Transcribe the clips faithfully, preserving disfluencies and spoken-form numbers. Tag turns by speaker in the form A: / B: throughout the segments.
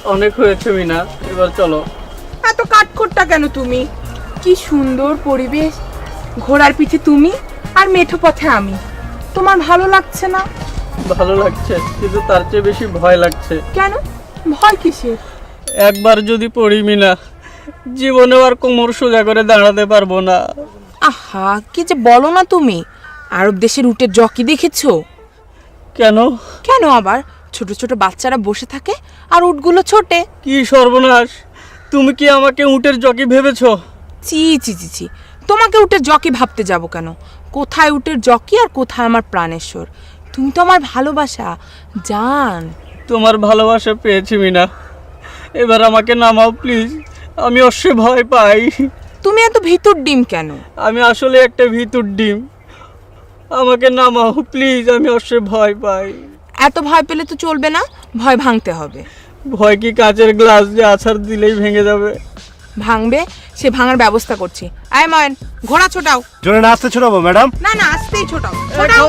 A: অনেক হয়েছে মিনা, এবার চলো।
B: এত কাঠখোট্টা কেন তুমি? কি সুন্দর পরিবেশ, ঘোড়ার পিঠে তুমি আর মেঠো পথে আমি। তোমার ভালো লাগছে না?
A: ভালো লাগছে, কিন্তু তার চেয়ে বেশি ভয় লাগছে।
B: কেন? ভয় কিসের?
A: একবার যদি পড়ি মিনা, জীবনেও আর কোমর সোজা করে দাঁড়াতে পারবো না।
B: আহা, কি যে বলো না তুমি। আরব দেশের উটের জকি দেখেছো?
A: কেন?
B: কেন আবার? ছোট ছোট বাচ্চারা বসে থাকে আর উটগুলো ছোটে।
A: কি সর্বনাশ! তুমি কি আমাকে উটের জকি ভেবেছো?
B: চি চি চি চি, তোমাকে উটের জকি ভাবতে যাব কেন? কোথায় উটের জকি আর কোথায় আমার প্রাণেশ্বর? তুমি তো আমার ভালোবাসা জান।
A: তোমার ভালোবাসা পেয়েছি মিনা, এবার আমাকে নামাও প্লিজ। আমি অবশ্যই ভয় পাই।
B: তুমি এত ভিতর ডিম কেন?
A: আমি আসলে একটা ভিতর ডিম, আমাকে নামাও প্লিজ, আমি অবশ্যই ভয় পাই।
B: এত ভয় পেলে তো চলবে না, ভয় ভাঙতে হবে।
A: ভয় কি কাচের গ্লাস যে আছাড় দিলেই ভেঙে যাবে?
B: ভাঙবে, সে ভাঙার ব্যবস্থা করছি। আয় ময়ন, ঘোড়া ছোটাও।
C: জোরে না আসতে ছোটাবো ম্যাডাম?
B: না না, আস্তেই ছোটাও, ছোটাও।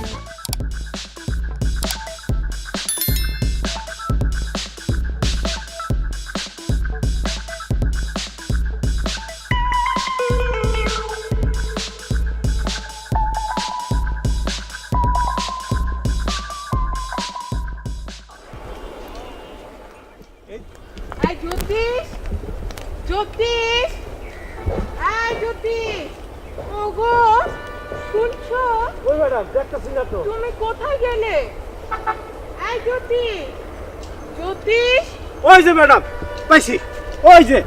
B: এই জ্যোতিষ, জ্যোতিষ, এই জ্যোতিষ, ওগো শুনছো?
C: ওই ম্যাডাম দেখতেছি না তো।
B: তুমি কোথায় গেলে? এই জ্যোতিষ, জ্যোতিষ,
C: ওই যে ম্যাডাম, পাইছি, ওই যে।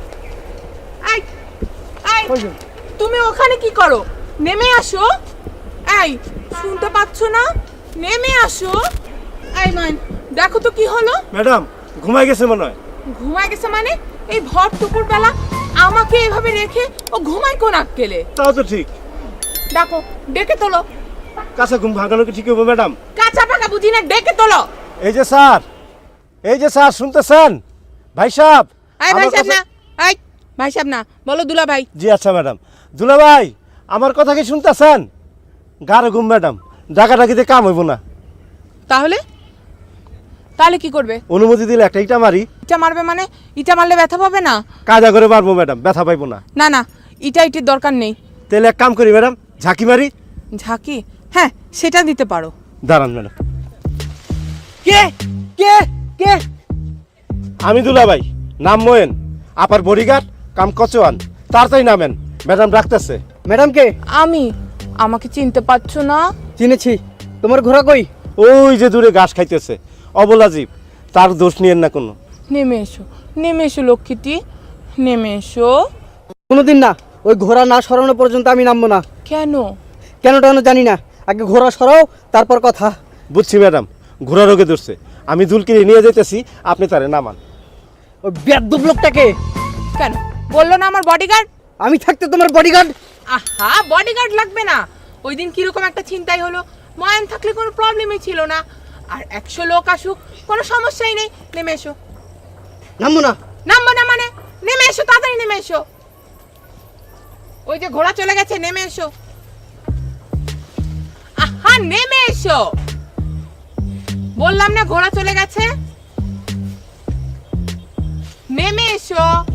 B: এই, এই, তুমি ওখানে কি করো? নেমে আসো। এই, শুনতে পাচ্ছ না? নেমে আসো। এই মান, দেখো তো কি হলো।
C: ম্যাডাম ঘুমাই গেছে মনে হয়।
B: ঘুমায় গেছে মানে? এই ভর দুপুর বেলা আমাকে এভাবে রেখে ও ঘুমায় কোন আক্কেলে?
C: তাও তো ঠিক।
B: ডাকো, ডেকে তোলো।
C: কাঁচা ঘুম ভাঙানো কি ঠিক হবে ম্যাডাম?
B: কাঁচা পাকা বুঝি না, ডেকে তোলো।
C: এই যে স্যার, এই যে স্যার শুনতেছেন? ভাই সাহেব।
B: এই ভাই
C: আমার
B: সাহেব না,
C: কাছে-
B: এই ভাই সাহেব না, বলো দুলা ভাই।
C: জি আচ্ছা ম্যাডাম। দুলা ভাই, আমার কথা কি শুনতেছেন? গাঢ় ঘুম ম্যাডাম, ডাকাডাকিতে কাম হইব না।
B: তাহলে তাহলে কি করবে?
C: অনুমতি দিলে একটা ইটা মারি।
B: ইটা মারবে মানে? ইটা মারলে ব্যথা পাবে না?
C: কাজা করে মারবো ম্যাডাম, ব্যথা পাইবো না।
B: না না, ইটা ইটির দরকার নেই।
C: তাহলে এক কাম করি ম্যাডাম, ঝাঁকি মারি।
B: ঝাঁকি? হ্যাঁ, সেটা দিতে পারো।
C: দাঁড়ান ম্যাডাম।
A: কে কে কে?
C: আমি দুলা ভাই, নাম মোয়েন, আপার বডিগার্ড কাম কচোয়ান। তাড়াতাড়ি নামেন, ম্যাডাম ডাকতেছে।
D: ম্যাডাম কে?
B: আমি, আমাকে চিনতে পারছো না?
D: চিনেছি। তোমার ঘোড়া কই?
C: ওই যে দূরে ঘাস খাইতেছে, অবলা জীব, তার দোষ নিয়েন না কোনো।
B: নেমে এসো, নেমে এসো লক্ষ্মীটি, নেমে এসো।
D: কোনোদিন না, ওই ঘোড়া না সরানো পর্যন্ত আমি নামবো না।
B: কেন?
D: কেন টানো জানি না, আগে ঘোড়া সরাও তারপর কথা।
C: বুঝছি ম্যাডাম, ঘোড়া রোগে ধরছে, আমি দুলকিরে নিয়ে যেতেছি, আপনি তারে নামান।
D: ওই বেয়াদ্দুব লোকটাকে?
B: কেন বললো না আমার বডিগার্ড?
D: আমি থাকতে তোমার বডিগার্ড?
B: আহা, বডিগার্ড লাগবে না। ওই দিন কিরকম একটা চিন্তাই হলো, ময়ান থাকলে কোনো প্রবলেমই ছিল না। আর একশো লোক আসুক, কোনো সমস্যাই নেই। নেমে এসো।
D: নামবো না।
B: নামবো না মানে? নেমে এসো, তাড়াতাড়ি নেমে এসো। ওই যে ঘোড়া চলে গেছে, নেমে এসো। আহা, নেমে এসো বললাম না, ঘোড়া চলে গেছে। নেমে এসো।